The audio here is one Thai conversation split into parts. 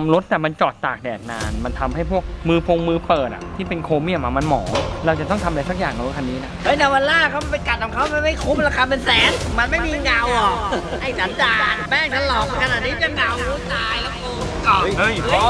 รถแต่มันจอดตากแดดนานมันทำให้พวกมือเปิดอ่ะที่เป็นโครเมียมมันหมองเราจะต้องทำอะไรสักอย่างกับรถคันนี้นะเฮ้ยนาวาร่าเขาไปกัดของเขามันไม่คุ้มราคาเป็นแสนมันไม่มีเงาหรอกไอ้สันดานแม่งฉันหลอกขนาดนี้จะเงาตายแล้วกูก่อนเฮ้ยพ่อ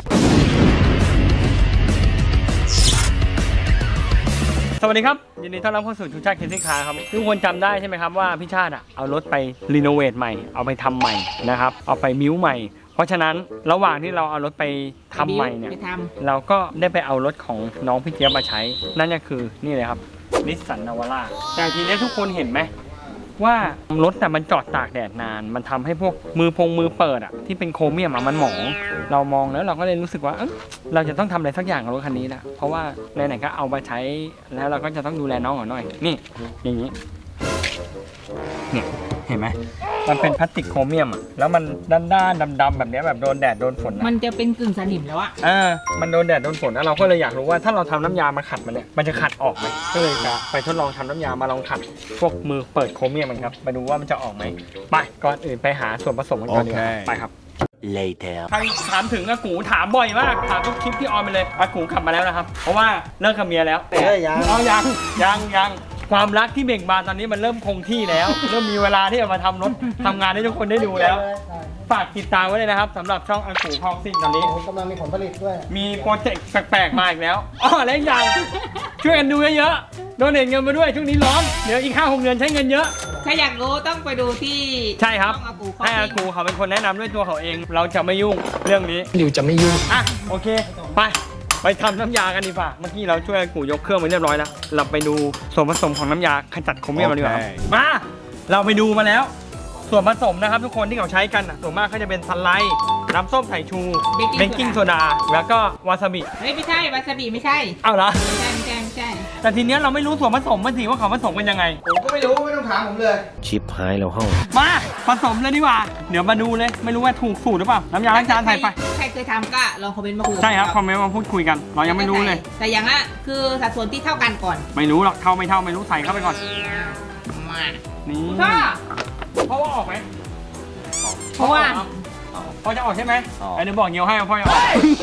สวัสดีครับยินดีต้อนรับเข้าสู่ชูชาติเคสซิ่งคาร์ครับทุกคนจำได้ใช่ไหมครับว่าพี่ชาติเอารถไปรีโนเวทใหม่เอาไปทำใหม่นะครับเอาไปบิ้วใหม่เพราะฉะนั้นระหว่างที่เราเอารถไปทำใหม่เนี่ยเราก็ได้ไปเอารถของน้องพี่เจี๊ยบมาใช้นั่นก็คือนี่เลยครับนิสสันนาวาร่าแต่ทีนี้ทุกคนเห็นไหมว่ารถแต่มันจอดตากแดดนานมันทำให้พวกมือเปิดอ่ะที่เป็นโครเมียมมันหมองเรามองแล้วเราก็เลยรู้สึกว่าเราจะต้องทำอะไรสักอย่างกับรถคันนี้นะเพราะว่าไหนๆก็เอามาใช้แล้วเราก็จะต้องดูแลน้องหน่อยนี่อย่างนี้เนี่ยเห็นไหมมันเป็นพลาสติกโครเมียมอ่ะแล้วมันด้านๆดำๆแบบนี้แบบโดนแดดโดนฝนมันจะเป็นกึ่งสนิมแล้วอะมันโดนแดดโดนฝนแล้วเราก็เลยอยากรู้ว่าถ้าเราทำน้ำยามาขัดมันเนี่ยมันจะขัดออกไหมก็เลยจะไปทดลองทำน้ำยามาลองขัดพวกมือเปิดโครเมียมมันครับมาดูว่ามันจะออกไหมไปก่อนอื่นไปหาส่วนผสมกันก่อนดีกว่าไปครับ later ใครถามถึงอากูถามบ่อยมากถามทุกคลิปที่ออนไปเลยอากูกลับมาแล้วนะครับเพราะว่าเลิกกับเมียแล้วยังความรักที่เบ่งบานตอนนี้มันเริ่มคงที่แล้ว เริ่มมีเวลาที่จะมาทำรถทำงานให้ทุกคนได้ดูแล้วฝากติดตามไว้เลยนะครับสำหรับช่องอากูคอกซิ่งตอนนี้กำลังมีผลผลิตด้วยมีโปรเจกต์แปลกๆมาอีกแล้วและอย่างช่วยกันดูเยอะๆโดเนทเงินมาด้วยช่วงนี้ร้อนเดี๋ยวอีก 5-6 เดือนใช้เงินเยอะถ้าอยากรู้ต้องไปดูที่ใช่ครับช่องอากูให้อากูเขาเป็นคนแนะนำด้วยตัวเขาเองเราจะไม่ยุ่งเรื่องนี้ดิวจะไม่ยุ่งโอเคไปทำน้ำยากันดีกว่าเมื่อกี้เราช่วยอากูยกเครื่องไปเรียบร้อยแล้วเราไปดูส่วนผสมของน้ำยาขจัดโครเมียมมาดีกว่ามาเราไปดูมาแล้วส่วนผสมนะครับทุกคนที่เขาใช้กันส่วนมากเขาจะเป็นซันไลท์น้ำส้มสายชูเบกกิ้งโซดาแล้วก็วาซาบิไม่ใช่วาซาบิไม่ใช่เอาเหรอไม่ใช่แต่ทีเนี้ยเราไม่รู้ส่วนผสมมันสิว่าเขาผสมกันยังไงผมก็ไม่รู้ไม่ต้องถามผมเลยชิปหายแล้วห้องมาผสมเลยดีกว่าเดี๋ยวมาดูเลยไม่รู้ว่าถูกสูตรหรือเปล่าน้ำยาล้างจานใส่ไปใครเคยทำก็ลองคอมเมนต์มาคุยใช่ครับคอมเมนต์มาพูดคุยกันเรายังไม่รู้เลยแต่อย่างละคือสัดส่วนที่เท่ากันก่อนไม่รู้หรอกเท่าไม่รู้ใส่เข้าไปก่อนนี่พ่อว่าออกไหมเพราะว่าพ่อจะออกใช่ไหมไอ้เดี๋ยวบอกเงี้ยวให้พ่อจะออก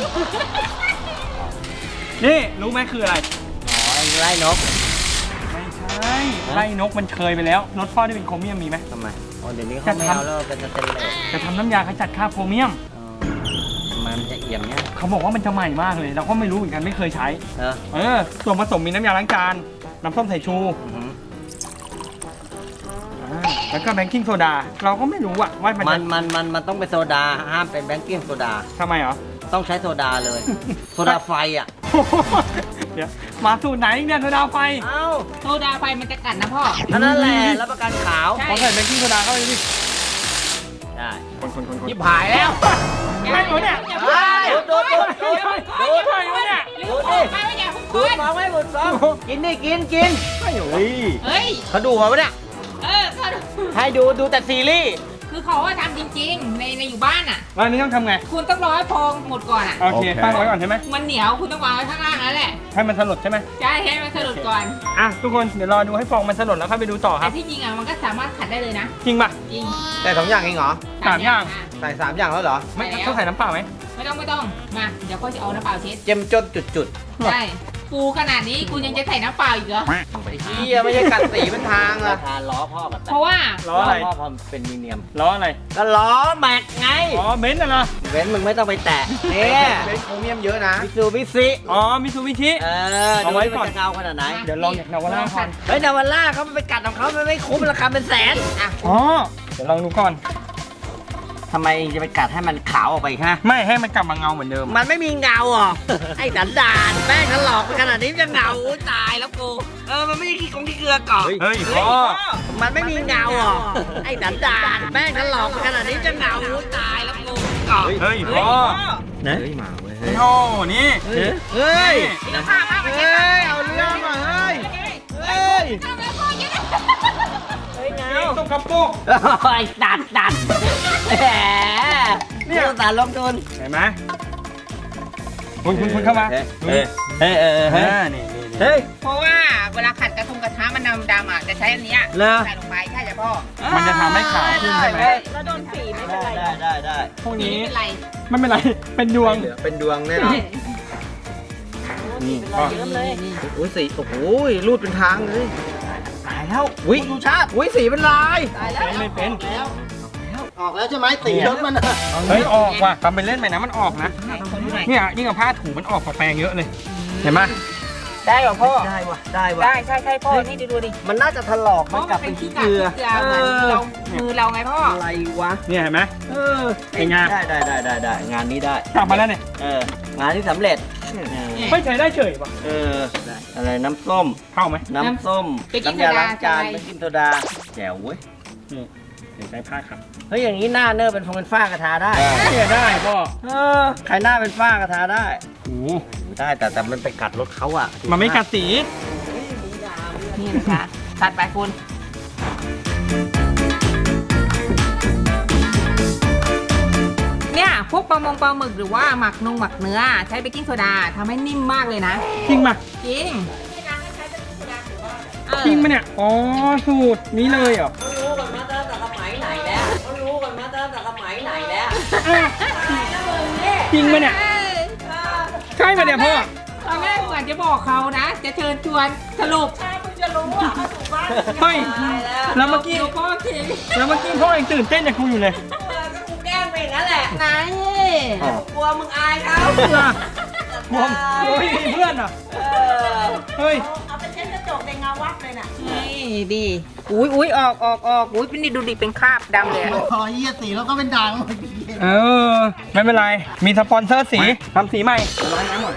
นี่รู้ไหมคืออะไรไล่นกไม่ใช่ไล่นกมันเคยไปแล้วรถพ่อที่เป็นโครเมียมมีไหมทำไมเดี๋ยวนี้เขาไม่เอาแล้วเป็นสเตนเลสจะทำน้ำยาขจัดคราบโครเมียมมันจะเอี่ยมเนี่ยเขาบอกว่ามันจะใหม่มากเลยเราก็ไม่รู้เหมือนกันไม่เคยใช้ส่วนผสมมีน้ำยาล้างจานน้ำส้มสายชูแล้วก็แบงกิ้งโซดาเราก็ไม่รู้ว่ามันต้องเป็นโซดาห้ามเป็นแบงกิ้งโซดาทำไมเหรอต้องใช้โซดาเลยโซดาไฟอ่ะเดี๋ยวมาสูตรไหนเนี่ยโซดาไฟโซดาไฟมันจะกัดนะพ่อนั่นแหละรับประกันขาวพอใส่แบงกิ้งโซดาเข้าไปดิได้คนยิบหายแล้วไม่หมดเนี่ยดูใช่ไหมเนี่ยดูมองไม่หมดซองกินไม่โอ้ยเขาดูมาปะเนี่ยให้ดูแต่ซีรีส์คือเขาว่าทำจริงๆในอยู่บ้านอ่ะแล้วนี้ต้องทำไงคุณต้องรอให้พองหมดก่อนอ่ะโอเคตั้งไว้ก่อนใช่ไหมมันเหนียวคุณต้องวางไว้ข้างล่างนั่นแหละให้มันสลดใช่ไหมใช่ให้มันสลดก่อนทุกคนเดี๋ยวรอดูให้ฟองมันสลดแล้วค่อยไปดูต่อครับแต่ที่จริงอ่ะมันก็สามารถขัดได้เลยนะจริงป่ะจริงแต่2 อย่างเองเหรอ 3 อย่างใส่3 อย่างแล้วเหรอไม่ต้องใส่น้ำเปล่าไหมไม่ต้องมาเดี๋ยวก็จะเอาน้ำเปล่าเช็ดเจ็มจนจุดใช่ปูขนาดนี้กูยังจะใส่น้ำเปล่าอีกเหรอไม่ใช่กัดสีเป็นทางอะทานล้อพ่อเพราะว่าล้ออะไรพ่อพอเป็นมีเนียมล้ออะไรก็ล้อแม็กไงเบนซ์นะเบนซ์มึงไม่ต้องไปแตะเนี่ยเบนซ์โครเมียมเยอะนะมิซูบิชิมิซูบิชิเอาไว้ก่อนจะเงาขนาดไหนเดี๋ยวลองจากนาวาร่าก่อนเฮ้ยนาวาร่าเขาไปกัดของเขามันไม่คุ้มราคาเป็นแสนเดี๋ยวลองดูก่อนทำไมจะไปกัดให้มันขาวออกไปฮะไม่ให้มันกลับมาเงาเหมือนเดิมมันไม่มีเงาหรอไอ้สันดานแม่งฉันหลอกขนาดนี้จะเงาตายแล้วกูมันไม่ใช่ขี้เกลือก่อนเฮ้ยพ่อมันไม่มีเงาหรอไอ้สันดานแม่งฉันหลอกขนาดนี้จะเงาตายแล้วกูเฮ้ยพ่อนะเฮ้ยมาเว้ยโอ้นี่เฮ้ยเอาเรื่องมาเฮ้ยต้องกระปุกไอ้ตัดแหมนี่ตัดลงทุนเห็นไหมคุณเข้ามานี่เฮ้ยเพราะว่าเวลาขัดกระทะมันดำๆอ่ะจะใช้อันเนี้ยเหรอใส่ลงไปใช่จ้ะพ่อมันจะทำให้ขาวขึ้นใช่ไหมแล้วโดนสีไม่เป็นไรได้พวกนี่นี้ไม่เป็นไรไม่เป็นไร เป็นดวงเป็นดวงแน่นอนนี่เป็นรอยเยิ้มเลยโอ้ยสีโอ้โหรูดเป็นทางเลยตายแล้ววิดูชาติวิสีเป็นลายตายแล้วไม่เป็นออกแล้วใช่ไหมสีรถมันอะเฮ้ยออกว่ะทำเป็นเล่นไปนะมันออกนะไหนคนดูหน่อยเนี่ยยิ่งกับผ้าถูมันออกกว่าแปรงเยอะเลย เห็นไหมได้เหรอพ่อได้ว่ะได้ว่ะได้ใช่พ่อ นี่ดูดิมันน่าจะถลอกเพมันราะกมัลันบเป็เป็น นขี้ขี้กากเกลือเหมือนเรามือเราไงพ่ออะไรวะเนี่ยเห็นไหม เป็นไงได้งานนี้ได้กลับมาแล้วเนี่ยงานที่สำเร็จไม่ใช้ได้เฉยป่ะอะไรน้ำส้มเข้าไหมน้ำส้มเบกกิ้งน้ำยาโซดาล้างจานใช่ไหมเบกกิ้งโซดาแจ๋วเว้ยนี่เดี๋ยวใช้ผ้าครับเฮ้ยอย่างนี้หน้าเนอร์เป็นฟงเป็นฝ้ากระทาได้เนี่ยได้พ่อใครหน้าเป็นฝ้ากระทาได้โอ้โหได้แต่มันไปกัดรถเขาอ่ะมันไม่กัดสีนี่นะคะตัดไปคุณเนี่ยพวกปลาหมึกหรือว่าหมักเนื้อใช้เบกกิ้งโซดาทำให้นิ่มมากเลยนะจริงป่ะจริงจริงป่ะเนี่ย อ๋อ สูตรนี้เลยเหรอรู้กันมาตั้งแต่สมัยไหนแล้วเขารู้กันมาตั้งแต่สมัยไหนแล้วจริงป่ะเนี่ย ใช่ป่ะเนี่ยพ่อตอนแรกเหมือนจะบอกเขานะ จะเชิญชวนสรุปใช่คุณจะรู้อ่ะเขาถูกบ้านเฮ้ยตายแล้วแล้วเมื่อกี้เดี๋ยวพ่อทิ้งแล้วเมื่อกี้พ่อยังตื่นเต้นจากกูอยู่เลยก็กูแกล้งไปอย่างนั้นแหละไหนกลัวมึงอายเขาผมเฮ้ยเพื่อนอ่ะ เฮ้ยเอาไปเช็ดกระจกในเงาวัดเลยน่ะนี่ดีอุ้ยออกอุ้ยเป็นนี่ดูดิเป็นคราบดำเลยอะพอเยี่ยสีแล้วก็เป็นด่างเออ ไม่เป็นไร มีสปอนเซอร์สีทำสีใหม่ล้างน้ำหน่อย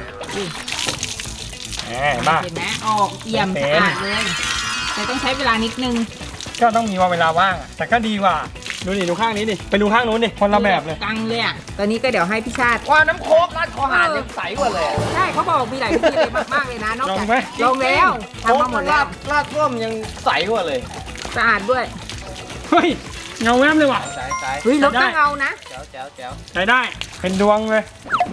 บ้าเห็นไหมออกเอี่ยมเป็นสะอาดเลย แต่ต้องใช้เวลานิดนึงก็ต้องมีเวลาว่างอะแต่ก็ดีกว่า ดูดิดูข้างนี้ดิ ไปดูข้างนู้นดิ คนละแบบเลยกังเลยอ่ะ ตอนนี้ก็เดี๋ยวให้พี่ชาติว่าน้ำโค้กราดคอหานยังใสกว่าเลยใช่เขาบอกมีหลายวิธีเลยมากๆเลยนะ นอกลอจากงไหมลงแล้วทำมาหมดแล้วราดส้มยังใสกว่าเลยสะอาดด้วยเฮ้ย เงาแวบเลยว่ะใสเฮ้ยรถก็เงานะแจ๋วใช้ได้ เป็นดวงเลย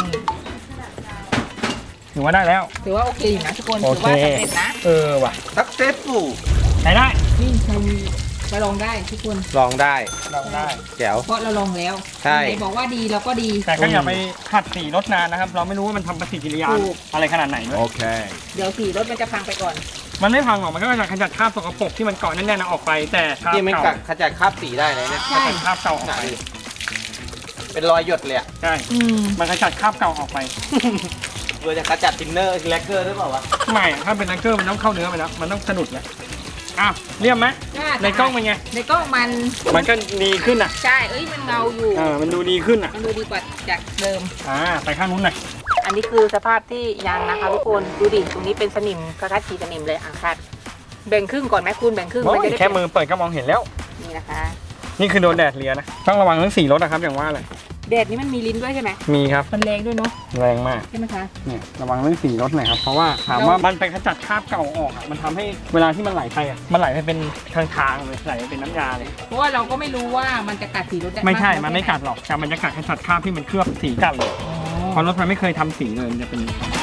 ถือว่าได้แล้วถือว่าโอเคอยู่นะทุกคนโอถือเคว่าสำเร็จนะเออว่ะสักเซฟฟูใช้ได้นี่ใช้ไปลองได้ทุกคนลองได้ลองได้แจ๋วเพราะเราลองแล้วใช่ไหนบอกว่าดีเราก็ดีแต่ก็อย่าไปขัดสีรถนานนะครับ เราไม่รู้ว่ามันทำปฏิกิริยาถูกอะไรขนาดไหนด้วยเดี๋ยวสีรถมันจะพังไปก่อนมันไม่พังหรอก มันก็จะขจัดคราบสกปรกที่มันเกาะแน่นๆออกไป แต่คราบที่ไม่เก่ากัดขจัดคราบสีได้เลยเนี่ยใช่ขจัดคราบเก่าออกไปเป็นรอยหยดเลยอะใช่อืมมันขจัดคราบเก่าออกไปเพื่อจะขจัดทินเนอร์แลกเกอร์หรือเปล่าวะไม่อะถ้าเป็นแลกเกอร์มันต้องเข้าเนื้อไปแล้ว มันต้องสะดุดแล้วอ้าวเรียบไหมในกล้องเป็นไงในกล้องมันมันก็ดีขึ้นอ่ะใช่ เอ้ยมันเงาอยู่มันดูดีขึ้นอ่ะมันดูดีกว่าจากเดิมไปข้างนู้นหน่อยอันนี้คือสภาพที่ยังนะคะทุกคน ดูดิ ตรงนี้เป็นสนิมคล้ายๆขีดสนิมเลยอ่างคัดแบ่งครึ่งก่อนไหมคุณแบ่งครึ่งโอ้มันยจะได้แค่มือเปิดก็มองเห็นแล้วนี่นะคะนี่คือโดนแดดเลียนะ ต้องระวังเรื่องสีรถนะครับอย่างว่าเลยแดดนี้มันมีลิ้นด้วยใช่ไหมมีครับมันแรงด้วยเนาะแรงมากใช่ไหมคะเนี่ยระวังเรื่องสีรถหน่อยครับ เพราะว่าถามว่ามันไปขจัดคราบเก่าออกอ่ะ มันทำให้เวลาที่มันไหลไปอ่ะ มันไหลไปเป็นทางๆเลย ไหลไปเป็นน้ำยาเลยเพราะว่าเราก็ไม่รู้ว่ามันจะกัดสีรถได้ไม่ใช่ากมันไม่กัดหรอกแต่มันจะกัดขจัดคราบที่มันเคลือบสีกันเลยอ๋อเพราะรถมันไม่เคยทำสีเลยมันจะเป็น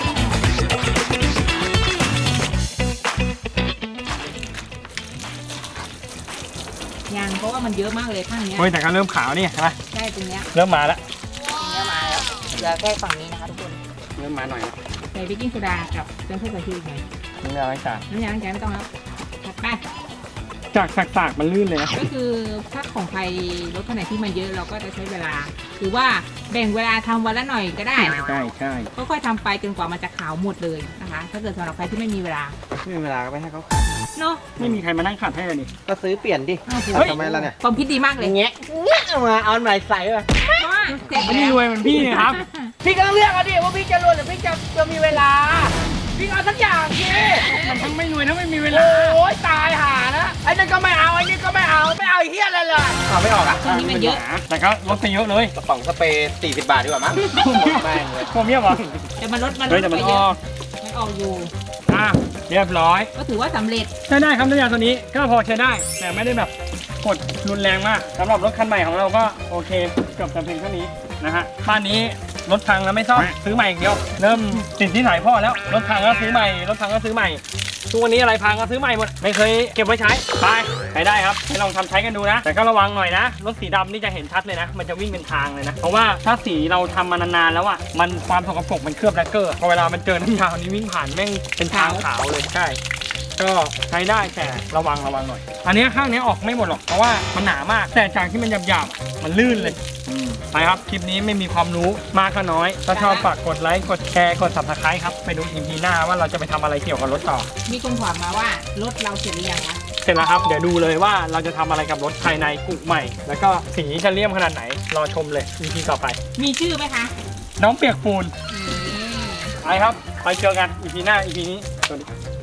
ยังเพราะว่ามันเยอะมากเลยข้างเนี้ยโอ้ยแต่ก็เริ่มขาวนี่เห็นไหมใช่ตรงเนี้ยเริ่มมาแล้วเนี้ยมาแล้วเหลือแค่ฝั่งนี้นะคะทุกคนเริ่มมาหน่อยแล้วใส่เบกกิ้งโซดากับเครื่องเทศกระเทียมหน่อยนี่เราให้จ่าน้ำยาล้างจานไม่ต้องแล้วถัดไปจากสากๆมันลื่นเลยนะก็คือถ้าของใครรถคันไหนที่มันเยอะเราก็จะใช้เวลา หรือว่าแบ่งเวลาทำวันละหน่อยก็ได้ใช่ใช่ค่อยๆทำไปจนกว่ามันจะขาวหมดเลยนะคะ ถ้าเกิดสำหรับใครที่ไม่มีเวลาไม่มีเวลาก็ไปให้เขาเนาะไม่มีใครมานั่งขัดให้เลยนี่ก็ซื้อเปลี่ยนดิอ้าวเฮ้ยทำไมล่ะเนี่ยความคิดดีมากเลยเงี้ยเอามาเอาไหนใส่ไปเพราะว่าเสร็จไม่แล้วรวยเหมือนพี่เนี่ยครับพี่ก็เลือกเอาดิว่าพี่จะรวยหรือพี่จะมีเวลา พี่เอาสักอย่างสิมันทั้งไม่รวยทั้งไม่มีเวลาโอ้ยตายห่านะไอ้นั่นก็ไม่เอาไอ้นี่ก็ไม่เอาไอ้เฮียอะไรเลยเอาไม่ออกอ่ะช่วงนี้มันเยอะแต่ก็ลดไปเยอะเลยกระป๋องสเปรย์40 บาทดีกว่ามั้งแม่งเลยผมเยี่ยมเหรอแต่มันลดมันลเฮ้ยดแต่ไปมันเยออะอกมันออกอยู่เรียบร้อยก็ถือว่าสำเร็จใช้ได้ครับน้ำยาตัวนี้ก็พอใช้ได้ แต่ไม่ได้แบบกดรุนแรงมากสำหรับรถคันใหม่ของเราก็โอเคเกือบจะเพียงเท่านี้นะฮะบ้านนี้รถพังแล้วไม่ซ่อมซื้อใหม่อย่างเดียวเริ่มติดที่ไหนพ่อแล้วรถพังก็ซื้อใหม่รถพังก็ซื้อใหม่ทุกวันนี้อะไรพังก็ซื้อใหม่หมดไม่เคยเก็บไว้ใช้ไปใช้ได้ครับให้ลองทำใช้กันดูนะแต่ก็ระวังหน่อยนะรถสีดำนี่จะเห็นชัดเลยนะมันจะวิ่งเป็นทางเลยนะเพราะว่าถ้าสีเราทำมานานๆแล้วอ่ะมันความสกปรกมันเคลือบแลกเกอร์พอเวลามันเจอน้ำยานี้วิ่งผ่านแม่งเป็นทางขาวเลยใช่ก็ใช้ได้แต่ระวังหน่อยอันนี้ข้างนี้ออกไม่หมดหรอกเพราะว่ามันหนามากแต่จากที่มันหยาบๆมันลื่นเลยไปครับคลิปนี้ไม่มีความรู้มากก็น้อยถ้าชอบฝากกดไลค์กดแชร์กด Subscribe ครับไปดู EP หน้าว่าเราจะไปทำอะไรเกี่ยวกับรถต่อมีคนถามมาว่ารถเราเสร็จหรือยังคะเสร็จแล้วครับเดี๋ยวดูเลยว่าเราจะทำอะไรกับรถภายในกุใหม่ แล้วก็สีจะเลี่ยมขนาดไหนรอชมเลย EP ต่อไปมีชื่อไหมคะน้องเปียกปูนไปครับไปเจอกัน EP หน้า EP นี้สวัสดี